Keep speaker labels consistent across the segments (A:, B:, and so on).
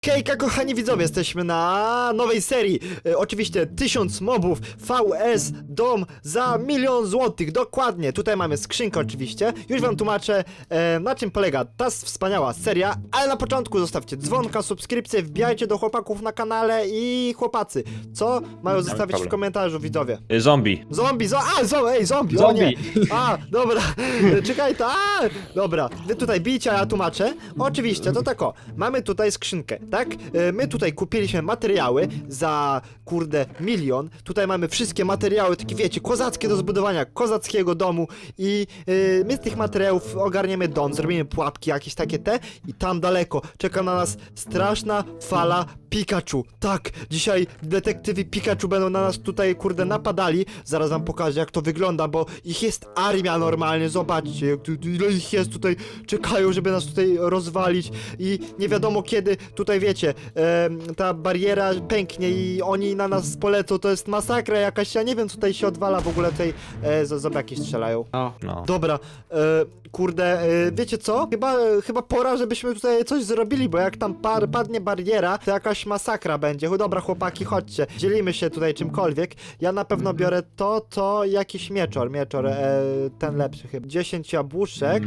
A: Hejka kochani widzowie, jesteśmy na nowej serii. Oczywiście 1000 mobów, VS, dom za 1 000 000 złotych, dokładnie. Tutaj mamy skrzynkę oczywiście. Już wam tłumaczę na czym polega ta wspaniała seria. Ale na początku zostawcie dzwonka, subskrypcję, wbijajcie do chłopaków na kanale. I chłopacy, co mają zostawić w komentarzu widzowie?
B: Zombie.
A: Zombie, zombie, o nie. A, dobra, czekaj, dobra, wy tutaj bijcie, a ja tłumaczę. Oczywiście, to tak o, mamy tutaj skrzynkę, tak? My tutaj kupiliśmy materiały za, kurde, 1 000 000. Tutaj mamy wszystkie materiały, takie wiecie, kozackie do zbudowania kozackiego domu. I my z tych materiałów ogarniemy dom, zrobimy pułapki jakieś takie i tam daleko czeka na nas straszna fala Pikachu. Tak, dzisiaj detektywy Pikachu będą na nas tutaj, kurde, napadali. Zaraz wam pokażę, jak to wygląda, bo ich jest armia normalnie. Zobaczcie, ile ich jest tutaj. Czekają, żeby nas tutaj rozwalić. I nie wiadomo kiedy tutaj, wiecie, ta bariera pęknie i oni na nas polecą. To jest masakra jakaś. Ja nie wiem, co tutaj się odwala w ogóle tej... Zombaki strzelają.
B: No.
A: Dobra, kurde, wiecie co? Chyba pora, żebyśmy tutaj coś zrobili, bo jak tam padnie bariera, to jakaś masakra będzie. Dobra, chłopaki, chodźcie. Dzielimy się tutaj czymkolwiek. Ja na pewno biorę to jakiś mieczor, ten lepszy chyba. 10 jabłuszek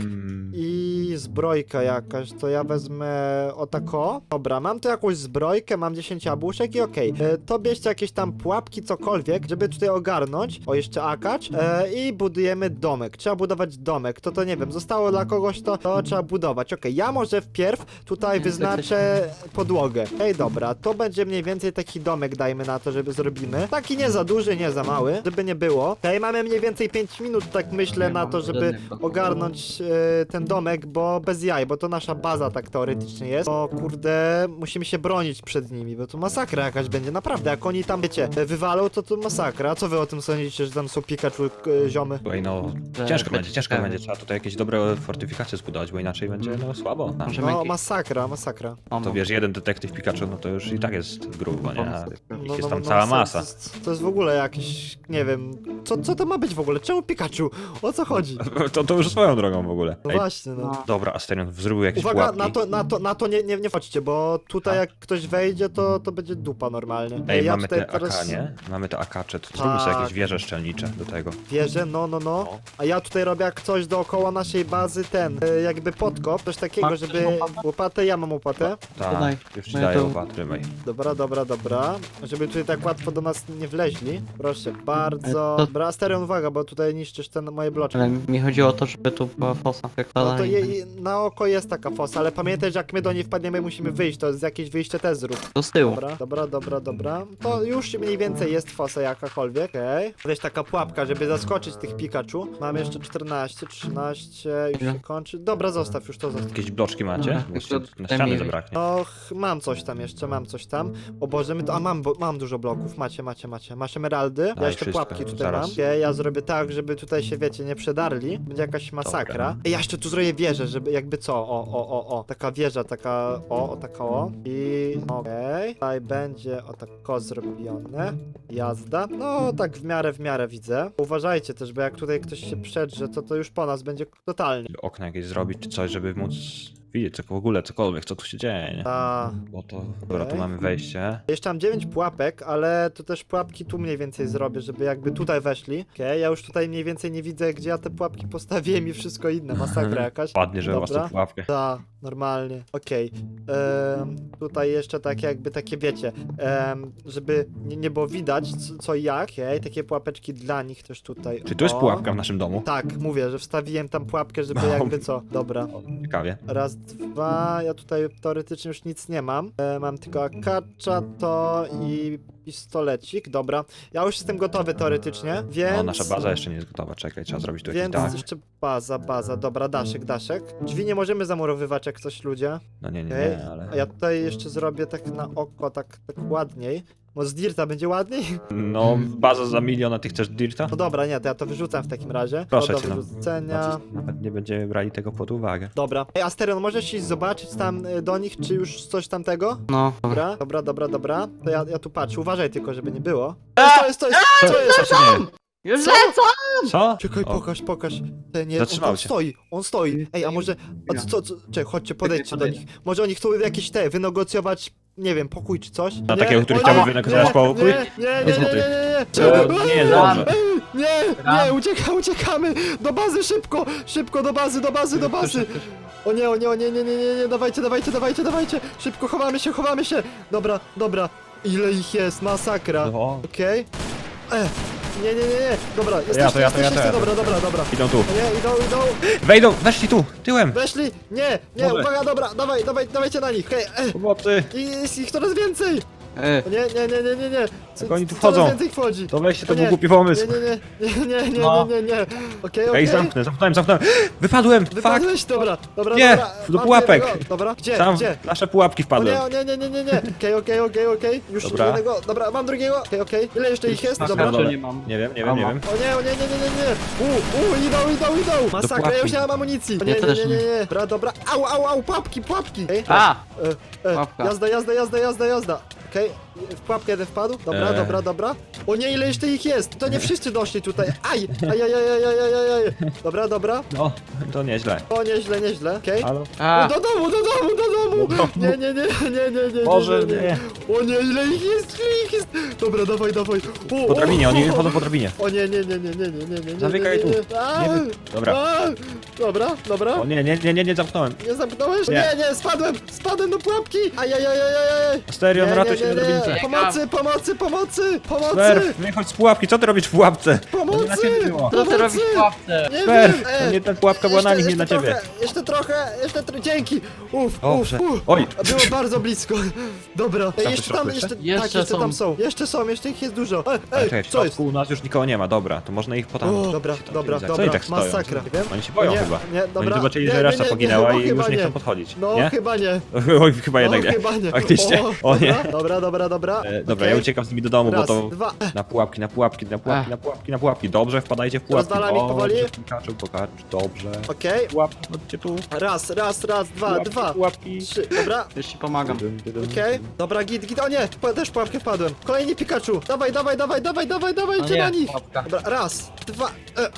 A: i zbrojka jakaś, to ja wezmę o tako. Dobra, mam tu jakąś zbrojkę, mam 10 jabłuszek i okej. To bierzcie jakieś tam pułapki, cokolwiek, żeby tutaj ogarnąć. O, jeszcze akacz. I budujemy domek. Trzeba budować domek. To nie wiem, zostało dla kogoś to trzeba budować. Okej, ja może wpierw tutaj wyznaczę podłogę. Ej, dobra, to będzie mniej więcej taki domek, dajmy na to, żeby zrobimy. Taki nie za duży, nie za mały, żeby nie było. Okej, mamy mniej więcej 5 minut, tak myślę, na to, żeby ogarnąć ten domek, bo bez jaj, bo to nasza baza tak teoretycznie jest. O kurde, musimy się bronić przed nimi, bo to masakra jakaś będzie, naprawdę, jak oni tam, wiecie, wywalą, to masakra. Co wy o tym sądzicie, że tam są Pikachu ziomy?
B: Słuchaj, no, ciężko będzie, trzeba tutaj jakieś dobre fortyfikacje zbudować, bo inaczej będzie, no, słabo.
A: No, masakra.
B: To wiesz, jeden detektyw Pikachu, no to już i tak jest grubo, nie? A ich jest tam
A: No,
B: cała masa.
A: To jest w ogóle jakieś, nie wiem, co to ma być w ogóle? Czemu Pikachu? O co chodzi?
B: To już swoją drogą w ogóle.
A: No
B: Ej,
A: właśnie, no.
B: dobra, Asterion, zrobił jakieś
A: Uwaga,
B: pułapki.
A: na to nie wchodźcie, bo tutaj jak ktoś wejdzie, to będzie dupa normalnie.
B: Ej,
A: ja
B: mamy
A: tutaj
B: te AK, nie? Mamy te akacze, to zróbmy sobie
A: Tak.
B: jakieś wieże szczelnicze do tego.
A: Wierzę, no. A ja tutaj robię jak coś dookoła naszej bazy, jakby podkop, coś takiego,
C: Masz
A: żeby...
C: też łopatę?
A: Łopatę, ja mam łopatę.
C: Daj.
B: Tak, już ci
C: No ja
B: daję
C: to-
B: łopat, trzymaj.
A: Dobra. Żeby tutaj tak łatwo do nas nie wleźli. Proszę bardzo.
C: To-
A: Dobra, Asterion, uwaga, bo tutaj niszczysz moje bloczki.
C: Ale mi chodziło o to, żeby tu była fosa. Jak
A: No to na oko jest taka fosa, ale pamiętaj, że jak my do niej wpadniemy, musimy wyjść, to jest jakieś wyjście też zrób.
C: To z tyłu.
A: Dobra. To już mniej więcej jest fosa jakakolwiek, okej. Weź taka pułapka, żeby zaskoczyć tych Pikachu. Mam jeszcze 14, 13, już się kończy. Dobra, zostaw, już to zostaw.
B: Jakieś bloczki macie?
C: Dobra,
B: Bo jeszcze
C: tylko
B: na
C: daj
B: ściany
C: mi-
B: zabraknie.
A: No, mam coś tam jeszcze, O Boże, mam dużo bloków, macie. Masz emeraldy, ja
B: Daj
A: jeszcze
B: wszystko,
A: pułapki tutaj
B: zaraz.
A: mam. Okej, ja zrobię tak, żeby tutaj się, wiecie, nie przedarli. Będzie jakaś masakra.
B: Dobra.
A: Ej, ja jeszcze tu zrobię wieżę, żeby jakby co, o. Taka wieża, taka o. I okej. Tutaj będzie o tako zrobione. Jazda. No, tak w miarę widzę. Uważajcie też, bo jak tutaj ktoś się przedrze, to już po nas będzie totalnie.
B: Okna jakieś zrobić czy coś, żeby móc widzieć w ogóle cokolwiek, co tu się dzieje, nie? Bo to... Dobra, tu
A: Okej.
B: mamy wejście.
A: Jeszcze mam 9 pułapek, ale to też pułapki tu mniej więcej zrobię, żeby jakby tutaj weszli. Okej, ja już tutaj mniej więcej nie widzę, gdzie ja te pułapki postawiłem i wszystko inne. Masakra jakaś.
B: Padnie, że was
A: Dobra.
B: tu pułapkę.
A: Tak, normalnie. Okej. Tutaj jeszcze takie wiecie, żeby nie było widać co i jak. Okej, takie pułapeczki dla nich też tutaj.
B: Czy tu jest
A: O.
B: pułapka w naszym domu?
A: Tak, mówię, że wstawiłem tam pułapkę, żeby
B: No.
A: jakby co. Dobra.
B: Ciekawie.
A: Raz, dwa, ja tutaj teoretycznie już nic nie mam. Mam tylko akacza to i pistolecik, dobra. Ja już jestem gotowy teoretycznie, więc...
B: No, nasza baza jeszcze nie jest gotowa, czekaj, trzeba zrobić tu jakiś
A: Więc
B: dach.
A: jeszcze baza, dobra, daszek. Drzwi nie możemy zamurowywać jak coś ludzie.
B: No nie,
A: Okej.
B: ale...
A: A ja tutaj jeszcze zrobię tak na oko, tak ładniej. Bo z dirta będzie ładniej?
B: No, baza za 1 000 000, a ty chcesz dirta?
A: No dobra, nie, to ja to wyrzucam w takim razie.
B: Proszę
A: To
B: cię,
A: do
B: no.
A: wyrzucenia.
B: Nawet nie będziemy brali tego pod uwagę.
A: Dobra. Ej, Asterion, możesz iść zobaczyć tam do nich, czy już coś tamtego?
C: No, dobra.
A: Dobra. To ja tu patrzę. Uważaj tylko, żeby nie było. Co jest?
B: Co się dzieje?
C: Już
A: Co?
C: lecą!
B: Co?
A: Czekaj,
B: O,
A: pokaż. Nie,
B: Zatrzymał
A: on
B: się.
A: stoi, on stoi. Ej, a może... A co? Czekaj, chodźcie, podejdźcie do nich. Może oni chcą jakieś wynegocjować, nie wiem, pokój czy coś?
B: Na
A: Nie?
B: takiego, który
A: O
B: chciałby
A: nie,
B: wynegocjować
A: nie,
B: pokój?
A: Nie.
B: To nie jest dobrze.
A: Nie, uciekamy! Do bazy, szybko, do bazy! O nie, dawajcie! Szybko, chowamy się! Dobra, ile ich jest, masakra!
B: No.
A: Okej? Nie, dobra,
B: ja.
A: jesteście, dobra.
B: Idą tu.
A: O nie, idą!
B: Wejdą, weszli tu, tyłem.
A: Weszli! Nie,
B: Może.
A: uwaga, dobra, dawajcie na nich, hej,
B: Pomocy.
A: i jest ich coraz więcej! O nie.
B: Jak oni tu
A: Coraz
B: wchodzą?
A: więcej wchodzi!
B: To weźcie, to
A: O
B: był
A: nie,
B: głupi pomysł.
A: Nie. Okej.
B: Ej, zamknąłem. Wypadłem, fuck.
A: Wypadłeś? Dobra.
B: Nie,
A: Dobra.
B: do
A: Mam
B: pułapek.
A: jednego. Dobra, gdzie?
B: Sam
A: Gdzie?
B: w nasze pułapki
A: O
B: wpadłem.
A: nie. Okej. Już
B: Dobra.
A: jednego. Dobra, mam drugiego. Okej. Ile jeszcze ich jest?
C: Na
A: Dobra.
C: karcie nie mam.
B: Nie wiem.
A: O nie. Idą. Masakra, ja już
B: pułapki.
A: nie mam amunicji.
C: Ja też nie.
A: Nie. Dobra. Au, pułapki. Ej,
C: A! Pułapka.
A: Jazda. Okej, w pułapkę jeden wpadł. Dobra. O nie, ile jeszcze ich jest? To nie wszyscy doszli tutaj. Aj. Dobra.
B: No, to nieźle.
A: O, nieźle. Okej.
B: Halo?
C: A!
A: Do domu!
B: Do domu.
A: Nie.
B: Boże, nie.
A: O nie, ile ich jest! Dobra, dawaj.
B: Po drabinie, oni chodzą po drabinie.
A: O nie.
B: Zamykaj tu.
A: A,
B: Dobra.
A: a, Dobra.
B: O nie, zamknąłem.
A: Nie zamknąłeś?
B: Nie.
A: Nie, spadłem do pułapki! Ajajaj!
B: Serio, no ratuj się na drabince.
A: Pomocy!
B: Swerw, wychodź z pułapki, co ty robisz w pułapce? To nie na ciebie było.
C: Co ty robisz w pułapce?
A: Nie
B: Swerw,
A: wiem,
B: to nie ta pułapka była na nich, nie na ciebie.
A: Jeszcze trochę, dzięki!
B: Dobrze. Oj.
A: Było bardzo blisko. Dobra.
B: Tam
A: Jeszcze
B: w środku
A: tam,
B: jeszcze?
A: jeszcze tam są. Jeszcze ich jest dużo.
B: Ale
A: Ej,
B: czekaj, w
A: co jest?
B: środku u nas już nikogo nie ma, dobra, to można ich potem...
A: O, dobra,
B: Co oni tak stoją?
A: masakra. Nie wiem.
B: Oni się boją
A: Nie,
B: chyba.
A: nie, dobra.
B: Oni zobaczyli,
A: Nie,
B: że reszta
A: nie,
B: poginęła
A: no
B: i już
A: chyba
B: nie
A: nie.
B: chcą podchodzić.
A: No,
B: Nie?
A: chyba nie.
B: Oj, chyba jednak nie.
A: Chyba nie.
B: Faktycznie. O nie.
A: Dobra.
B: Dobra,
A: Okej.
B: ja uciekam z nimi do domu,
A: Raz,
B: bo to...
A: dwa.
B: Na pułapki. Dobrze, wpadajcie w pułapki.
A: Rozwalam ich powoli.
B: Pokaż, dobrze.
A: Okej.
B: Pułapki, chodźcie tu.
A: Raz, dwa.
B: Pułapki.
A: 3, dobra.
C: Już ci pomagam.
A: Okej. Dobra, git. O nie, też w pułapkę wpadłem. Kolejny Pikachu. Dawaj,
C: No
A: idzie na nich.
C: pułapka.
A: Dobra, raz, dwa.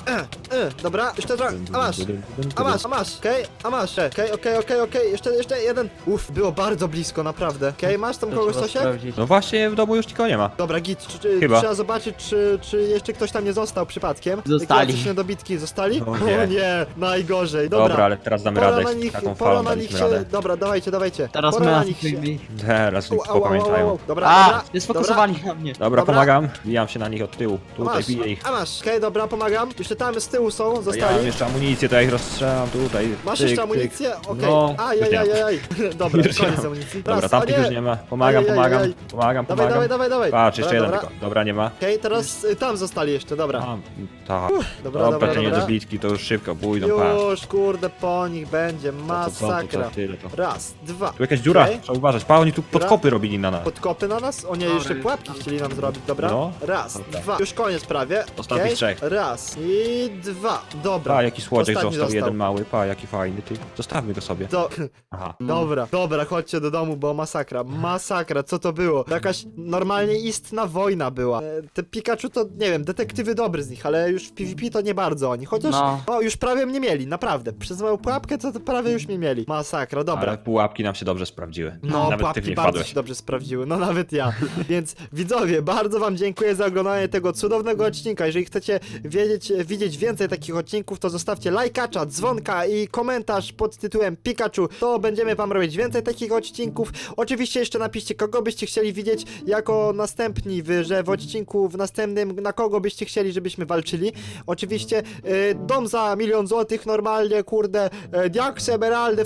A: Dobra, jeszcze trochę. A masz. Okej, a masz. Okej. Jeszcze jeden. Było bardzo blisko, naprawdę. Okej, masz tam
C: To
A: kogoś
C: trzeba
A: coś?
C: sprawdzić.
B: No właśnie, w domu już nikogo nie ma.
A: Dobra, git,
B: Chyba.
A: trzeba zobaczyć, czy jeszcze ktoś tam nie został przypadkiem.
C: Zostali.
A: Jakieś niedobitki zostali?
B: O nie.
A: O nie, najgorzej.
B: Dobra, ale teraz damy
A: Pora
B: radę.
A: na nich,
B: Taką
A: pora
B: falą
A: na nich
B: daliśmy
A: się...
B: radę.
A: Dobra, dawajcie.
C: Teraz
A: Pora
C: my
A: na
C: nas
A: nich się...
B: Teraz nic
A: Au.
B: popamiętają.
A: Dobra.
C: Jest sfokusowani na mnie.
B: Dobra,
A: Dobra.
B: pomagam. Bijam się na nich od tyłu. Tutaj
A: Masz,
B: biję ich.
A: a masz. Okej, dobra, pomagam. Jeszcze tam z tyłu są,
B: Ja mam
A: zostali.
B: jeszcze amunicję, to ja ich rozstrzelam tutaj.
A: Masz
B: Tyk,
A: jeszcze
B: tyk.
A: amunicję? Okej.
B: No, już nie mam.
A: Ajajajaj. Dobra,
B: Już nie
A: koniec
B: mam.
A: amunicji.
B: Dobra,
A: Raz,
B: tamtych
A: o
B: już nie ma. Pomagam.
A: Ajajajaj. Dawaj.
B: Patrz, jeszcze jeden
A: Dobra.
B: tylko. Dobra, nie ma.
A: Okej, teraz tam zostali jeszcze, dobra.
B: A, tak.
A: Dobra.
B: Dobra, te niedobitki to już szybko pójdą, patrz.
A: Już, kurde, po nich będzie masakra.
B: To tyle to.
A: Raz, dwa.
B: Tu jakaś dziura,
A: Okej.
B: trzeba uważać. Pa, oni tu podkopy robili na nas.
A: Podkopy na nas? O nie, jeszcze pułapki chcieli nam zrobić, dobra?
B: No.
A: Raz,
B: Dobra.
A: dwa. Już koniec prawie.
B: Ostatnich
A: Okej.
B: trzech.
A: Raz i dwa. Dobra.
B: Pa, jaki słodziek
A: Ostatni
B: został, jeden mały. Pa, jaki fajny, ty. Zostawmy go sobie. Aha.
A: Dobra, chodźcie do domu, bo masakra, co to było? To jakaś normalnie istna wojna była. Te Pikachu to, nie wiem, detektywy dobry z nich, ale już w PvP to nie bardzo oni, chociaż,
C: No.
A: już prawie mnie mieli, naprawdę. Przez moją pułapkę to prawie już mnie mieli. Masakra, dobra.
B: Ale pułapki nam się dobrze sprawdziły.
A: No,
B: Nawet ty w
A: pułapki
B: nie
A: bardzo
B: wpadłeś.
A: się dobrze sprawdziły, no nawet ja. Więc widzowie, bardzo wam dziękuję za oglądanie tego cudownego odcinka. Jeżeli chcecie widzieć więcej takich odcinków, to zostawcie lajkacza, dzwonka i komentarz pod tytułem Pikachu. To będziemy wam robić więcej takich odcinków. Oczywiście jeszcze napiszcie, kogo byście chcieli widzieć jako następni, że w odcinku w następnym, na kogo byście chcieli, żebyśmy walczyli. Oczywiście dom za 1 000 000 złotych normalnie, kurde, diaksy, emeraldy,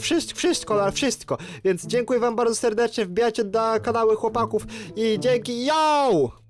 A: wszystko. Więc dziękuję wam bardzo serdecznie, wbijajcie na kanały chłopaków i dzięki, yo!